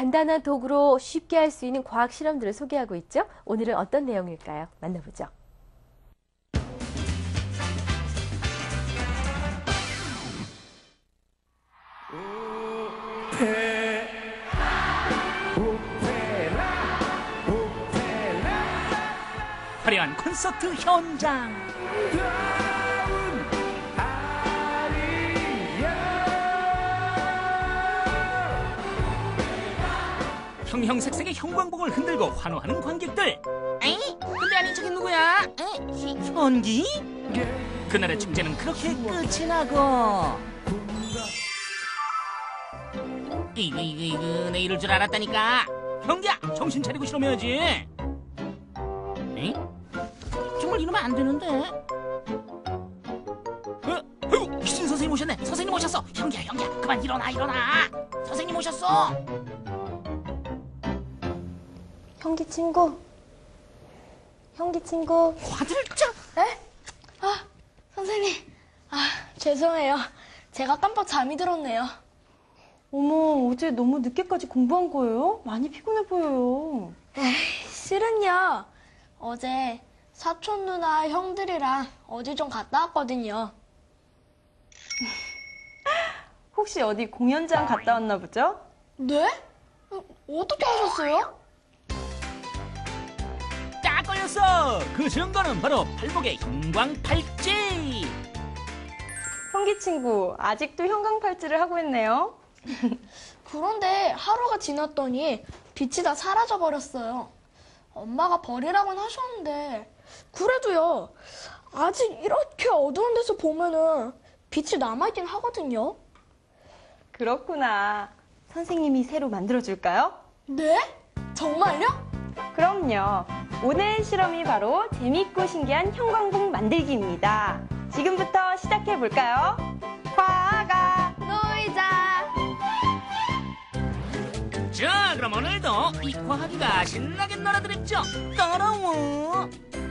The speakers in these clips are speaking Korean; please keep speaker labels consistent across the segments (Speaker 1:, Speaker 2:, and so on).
Speaker 1: 간단한 도구로 쉽게 할 수 있는 과학 실험들을 소개하고 있죠. 오늘은 어떤 내용일까요? 만나보죠.
Speaker 2: 화려한 콘서트 현장. 형형색색의 형광봉을 흔들고 환호하는 관객들. 에이? 근데 아닌 척이 누구야? 현기? 그날의 축제는 그렇게 끝이 나고. 이거 내 이럴 줄 알았다니까. 현기야, 정신 차리고 실험해야지. 에이? 정말 이러면 안 되는데. 희진 선생님 오셨네. 선생님 오셨어. 현기야, 그만 일어나. 선생님 오셨어.
Speaker 3: 형기 친구.
Speaker 2: 화들짝.
Speaker 3: 에? 선생님. 죄송해요. 제가 깜빡 잠이 들었네요. 어머, 어제 너무 늦게까지 공부한 거예요? 많이 피곤해 보여요. 실은요. 어제 사촌 누나 형들이랑 어디 좀 갔다 왔거든요. 혹시 어디 공연장 갔다 왔나 보죠? 네? 어떻게 하셨어요?
Speaker 2: 딱 걸렸어. 그 증거는 바로 팔목의 형광팔찌.
Speaker 3: 형기 친구, 아직도 형광팔찌를 하고 있네요. 그런데 하루가 지났더니 빛이 다 사라져 버렸어요. 엄마가 버리라고는 하셨는데 그래도요. 아직 이렇게 어두운 데서 보면은 빛이 남아있긴 하거든요. 그렇구나. 선생님이 새로 만들어줄까요? 네? 정말요? 그럼요. 오늘 실험이 바로 재밌고 신기한 형광봉 만들기입니다. 지금부터 시작해볼까요? 과가 놀자.
Speaker 2: 자, 그럼 오늘도 이 과학이가 신나게 놀아드렸죠. 따라와.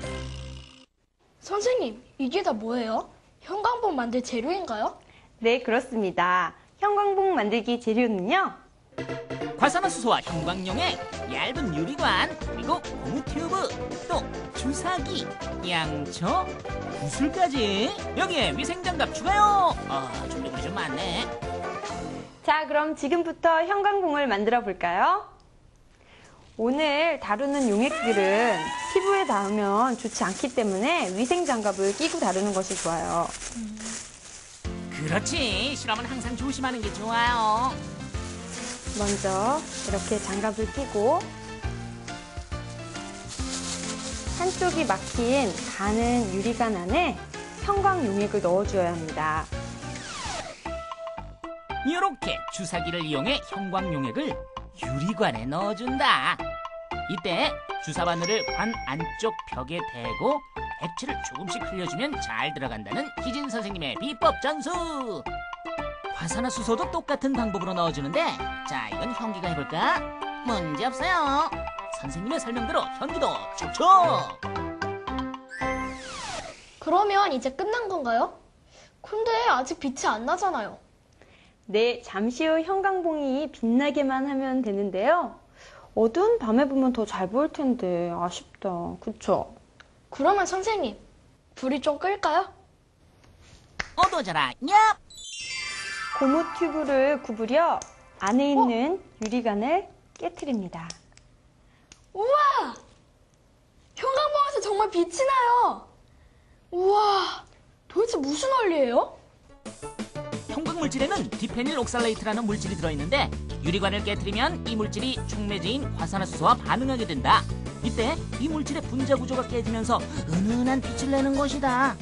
Speaker 3: 선생님, 이게 다 뭐예요? 형광봉 만들 재료인가요? 네, 그렇습니다. 형광봉 만들기 재료는요.
Speaker 2: 과산화수소와 형광용액, 얇은 유리관, 그리고 고무 튜브, 또 주사기, 양초, 구슬까지. 여기에 위생장갑 추가요. 준비물이 좀 많네.
Speaker 3: 자, 그럼 지금부터 형광봉을 만들어 볼까요? 오늘 다루는 용액들은 피부에 닿으면 좋지 않기 때문에 위생장갑을 끼고 다루는 것이 좋아요.
Speaker 2: 그렇지. 실험은 항상 조심하는 게 좋아요.
Speaker 3: 먼저 이렇게 장갑을 끼고 한쪽이 막힌 가는 유리관 안에 형광 용액을 넣어주어야 합니다.
Speaker 2: 이렇게 주사기를 이용해 형광 용액을 유리관에 넣어준다. 이때 주사 바늘을 관 안쪽 벽에 대고 액체를 조금씩 흘려주면 잘 들어간다는 희진 선생님의 비법 전수. 화산화수소도 똑같은 방법으로 넣어주는데, 자, 이건 현기가 해볼까? 문제 없어요. 선생님의 설명대로 현기도 척척.
Speaker 3: 그러면 이제 끝난 건가요? 근데 아직 빛이 안 나잖아요. 네, 잠시 후 형광봉이 빛나게만 하면 되는데요. 어두운 밤에 보면 더 잘 보일 텐데 아쉽다. 그쵸? 그러면 선생님, 불이 좀 끌까요?
Speaker 2: 어두워져라. 얍!
Speaker 3: 고무 튜브를 구부려 안에 있는 유리관을 깨트립니다. 우와! 형광봉에서 정말 빛이 나요. 우와, 도대체 무슨 원리예요?
Speaker 2: 형광물질에는 디페닐 옥살레이트라는 물질이 들어있는데, 유리관을 깨트리면 이 물질이 촉매제인 화산화수소와 반응하게 된다. 이때 이 물질의 분자 구조가 깨지면서 은은한 빛을 내는 것이다.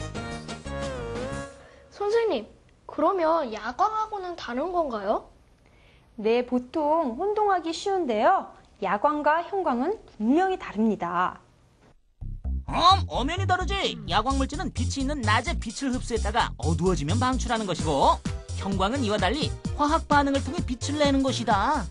Speaker 3: 선생님, 그러면 야광하고는 다른 건가요? 네, 보통 혼동하기 쉬운데요. 야광과 형광은 분명히 다릅니다.
Speaker 2: 엄연히 다르지. 야광물질은 빛이 있는 낮에 빛을 흡수했다가 어두워지면 방출하는 것이고, 형광은 이와 달리 화학 반응을 통해 빛을 내는 것이다.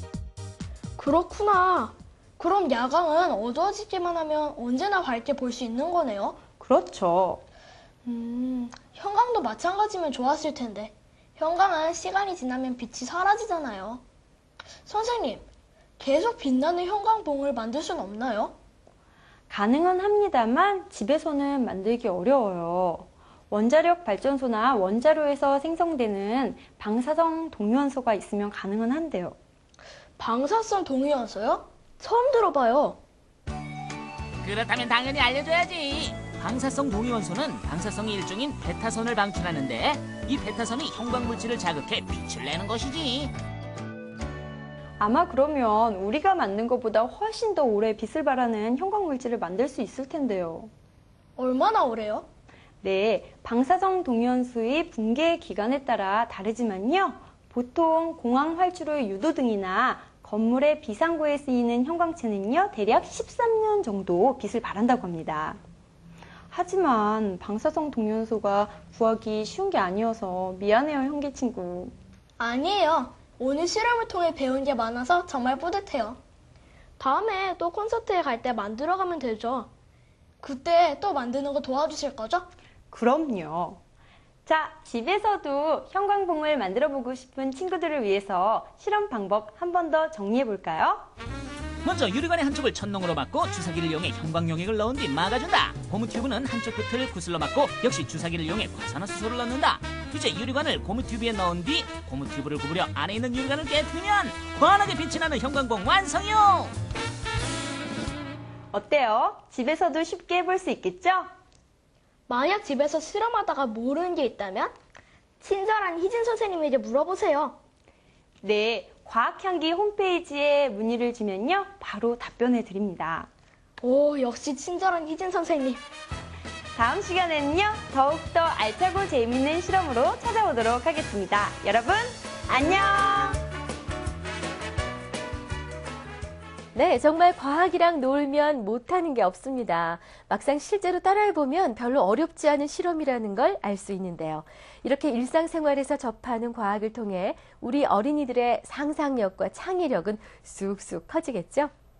Speaker 3: 그렇구나. 그럼 야광은 어두워지기만 하면 언제나 밝게 볼 수 있는 거네요? 그렇죠. 형광도 마찬가지면 좋았을 텐데. 형광은 시간이 지나면 빛이 사라지잖아요. 선생님,
Speaker 4: 계속 빛나는 형광봉을 만들 수는 없나요?
Speaker 3: 가능은 합니다만 집에서는 만들기 어려워요. 원자력 발전소나 원자로에서 생성되는 방사성 동위원소가 있으면 가능은 한데요.
Speaker 4: 방사성 동위원소요? 처음 들어봐요.
Speaker 2: 그렇다면 당연히 알려줘야지. 방사성 동위원소는 방사성이 일종인 베타선을 방출하는데 이 베타선이 형광물질을 자극해 빛을 내는 것이지.
Speaker 3: 아마 그러면 우리가 만든 것보다 훨씬 더 오래 빛을 발하는 형광물질을 만들 수 있을 텐데요.
Speaker 4: 얼마나 오래요?
Speaker 3: 네, 방사성 동위원소의 붕괴 기간에 따라 다르지만요. 보통 공항 활주로의 유도등이나 건물의 비상구에 쓰이는 형광체는요, 대략 13년 정도 빛을 발한다고 합니다. 하지만 방사성 동위원소가 구하기 쉬운 게 아니어서 미안해요, 형제 친구.
Speaker 4: 아니에요. 오늘 실험을 통해 배운 게 많아서 정말 뿌듯해요. 다음에 또 콘서트에 갈 때 만들어 가면 되죠. 그때 또 만드는 거 도와주실 거죠?
Speaker 3: 그럼요. 자, 집에서도 형광봉을 만들어 보고 싶은 친구들을 위해서 실험 방법 한 번 더 정리해 볼까요?
Speaker 2: 먼저 유리관의 한쪽을 천농으로 막고 주사기를 이용해 형광용액을 넣은 뒤 막아준다. 고무 튜브는 한쪽 끝을 구슬러 막고 역시 주사기를 이용해 과산화수소를 넣는다. 이제 유리관을 고무 튜브에 넣은 뒤 고무 튜브를 구부려 안에 있는 유리관을 깨뜨리면 환하게 빛이 나는 형광봉 완성이요.
Speaker 3: 어때요? 집에서도 쉽게 해볼 수 있겠죠?
Speaker 4: 만약 집에서 실험하다가 모르는 게 있다면 친절한 희진 선생님에게 물어보세요.
Speaker 3: 네, 과학향기 홈페이지에 문의를 주면요, 바로 답변해 드립니다.
Speaker 4: 오, 역시 친절한 희진 선생님.
Speaker 3: 다음 시간에는요, 더욱더 알차고 재미있는 실험으로 찾아오도록 하겠습니다. 여러분, 안녕!
Speaker 1: 네, 정말 과학이랑 놀면 못하는 게 없습니다. 막상 실제로 따라해보면 별로 어렵지 않은 실험이라는 걸 알 수 있는데요. 이렇게 일상생활에서 접하는 과학을 통해 우리 어린이들의 상상력과 창의력은 쑥쑥 커지겠죠?